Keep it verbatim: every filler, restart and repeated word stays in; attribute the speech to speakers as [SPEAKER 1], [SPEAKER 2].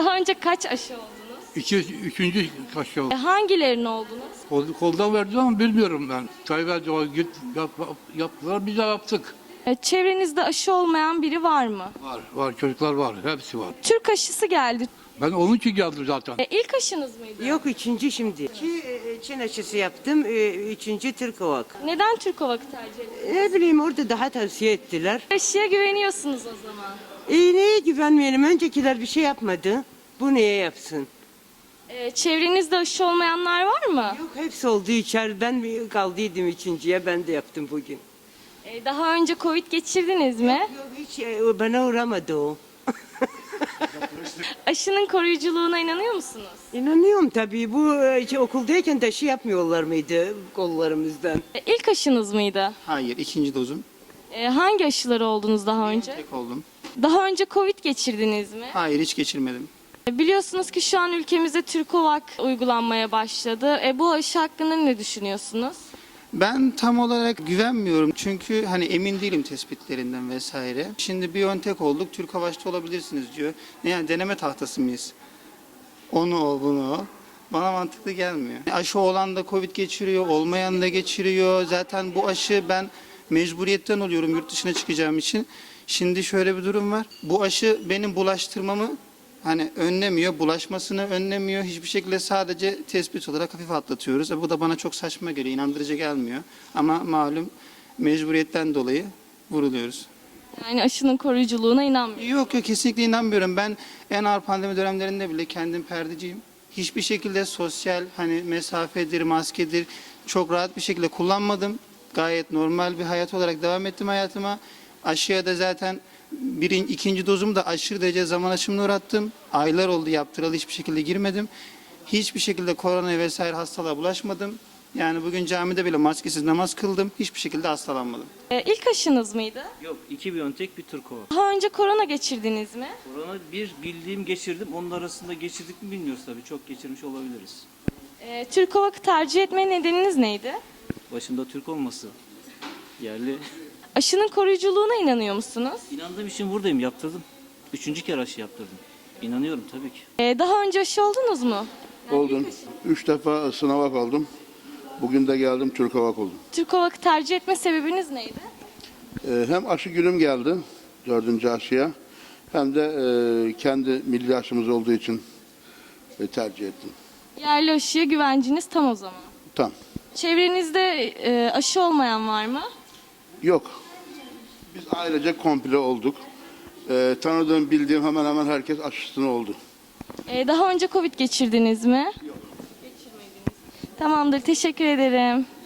[SPEAKER 1] Daha önce kaç aşı oldunuz?
[SPEAKER 2] İki, üçüncü kaşı oldu.
[SPEAKER 1] E, hangilerini oldunuz?
[SPEAKER 2] Kol, koldan verdi ama bilmiyorum ben. Tayyip Erdoğan git, yap, yaptılar, biz de yaptık.
[SPEAKER 1] E, çevrenizde aşı olmayan biri var mı?
[SPEAKER 2] Var, var, çocuklar var, hepsi var.
[SPEAKER 1] Türk aşısı geldi.
[SPEAKER 2] Ben onun için geldim zaten.
[SPEAKER 1] E, ilk aşınız mıydı?
[SPEAKER 3] Yok üçüncü şimdi. İki e, Çin aşısı yaptım. e, Üçüncü Türk Ovak.
[SPEAKER 1] Neden Türk Ovak'ı tercih ettiniz?
[SPEAKER 3] Ne bileyim orada daha tavsiye ettiler.
[SPEAKER 1] Aşıya güveniyorsunuz o zaman.
[SPEAKER 3] E, neye güvenmeyelim? Öncekiler bir şey yapmadı. Bu neye yapsın?
[SPEAKER 1] E, çevrenizde aşı olmayanlar var mı?
[SPEAKER 3] Yok hepsi oldu içer. Ben bir kaldıydım üçüncüye. Ben de yaptım bugün.
[SPEAKER 1] E, daha önce Covid geçirdiniz mi?
[SPEAKER 3] Yok hiç e, bana uğramadı o.
[SPEAKER 1] Aşının koruyuculuğuna inanıyor musunuz?
[SPEAKER 3] İnanıyorum tabii. Bu e, şey, okuldayken de aşı yapmıyorlar mıydı kollarımızdan?
[SPEAKER 1] E, ilk aşınız mıydı?
[SPEAKER 4] Hayır, ikinci dozum.
[SPEAKER 1] E, hangi aşıları oldunuz daha önce?
[SPEAKER 4] Tek oldum.
[SPEAKER 1] Daha önce Covid geçirdiniz mi?
[SPEAKER 4] Hayır, hiç geçirmedim.
[SPEAKER 1] E, biliyorsunuz ki şu an ülkemizde Türkovak uygulanmaya başladı. E, bu aşı hakkında ne düşünüyorsunuz?
[SPEAKER 4] Ben tam olarak güvenmiyorum çünkü hani emin değilim tespitlerinden vesaire. Şimdi BioNTech olduk, Türk Havaş'ta olabilirsiniz diyor. Ne yani deneme tahtası mıyız? Onu o, bunu o. Bana mantıklı gelmiyor. Aşı olan da Covid geçiriyor, olmayan da geçiriyor. Zaten bu aşı ben mecburiyetten oluyorum yurt dışına çıkacağım için. Şimdi şöyle bir durum var. Bu aşı benim bulaştırmamı hani önlemiyor, bulaşmasını önlemiyor. Hiçbir şekilde sadece tespit olarak hafif atlatıyoruz. E bu da bana çok saçma geliyor, inandırıcı gelmiyor. Ama malum mecburiyetten dolayı vuruluyoruz.
[SPEAKER 1] Yani aşının koruyuculuğuna inanmıyorum.
[SPEAKER 4] Yok yok kesinlikle inanmıyorum. Ben en ağır pandemi dönemlerinde bile kendim perdeciyim. Hiçbir şekilde sosyal hani mesafedir, maskedir çok rahat bir şekilde kullanmadım. Gayet normal bir hayat olarak devam ettim hayatıma. Aşıya da zaten birinci, ikinci dozumu da aşırı derece zaman aşımına uğrattım. Aylar oldu yaptıralı hiçbir şekilde girmedim. Hiçbir şekilde korona vesaire hastalığa bulaşmadım. Yani bugün camide bile maskesiz namaz kıldım. Hiçbir şekilde hastalanmadım.
[SPEAKER 1] E, ilk aşınız mıydı?
[SPEAKER 5] Yok, iki BioNTech bir Türkova.
[SPEAKER 1] Daha önce korona geçirdiniz mi?
[SPEAKER 5] Korona bir bildiğim geçirdim. Onun arasında geçirdik mi bilmiyoruz tabii. Çok geçirmiş olabiliriz.
[SPEAKER 1] E, Türkovak'ı tercih etme nedeniniz neydi?
[SPEAKER 5] Başında Türk olması. Yerli.
[SPEAKER 1] Aşının koruyuculuğuna inanıyor musunuz?
[SPEAKER 5] İnandığım için buradayım. Yaptırdım. Üçüncü kere aşı yaptırdım. İnanıyorum tabii ki.
[SPEAKER 1] E, daha önce aşı oldunuz mu?
[SPEAKER 6] Oldum. Üç defa sınava kaldım. Bugün de geldim Türk Hava oldum.
[SPEAKER 1] Türkovak'ı tercih etme sebebiniz neydi?
[SPEAKER 6] Ee, hem aşı günüm geldi, dördüncü aşıya, hem de e, kendi milli aşımız olduğu için e, tercih ettim.
[SPEAKER 1] Yerli aşıya güvenciniz tam o zaman.
[SPEAKER 6] Tam.
[SPEAKER 1] Çevrenizde e, aşı olmayan var mı?
[SPEAKER 6] Yok. Biz ailece komple olduk. Ee, tanıdığım, bildiğim hemen hemen herkes aşısını oldu.
[SPEAKER 1] E, daha önce Covid geçirdiniz mi? Yok. Geçirmediniz. Tamamdır, teşekkür ederim.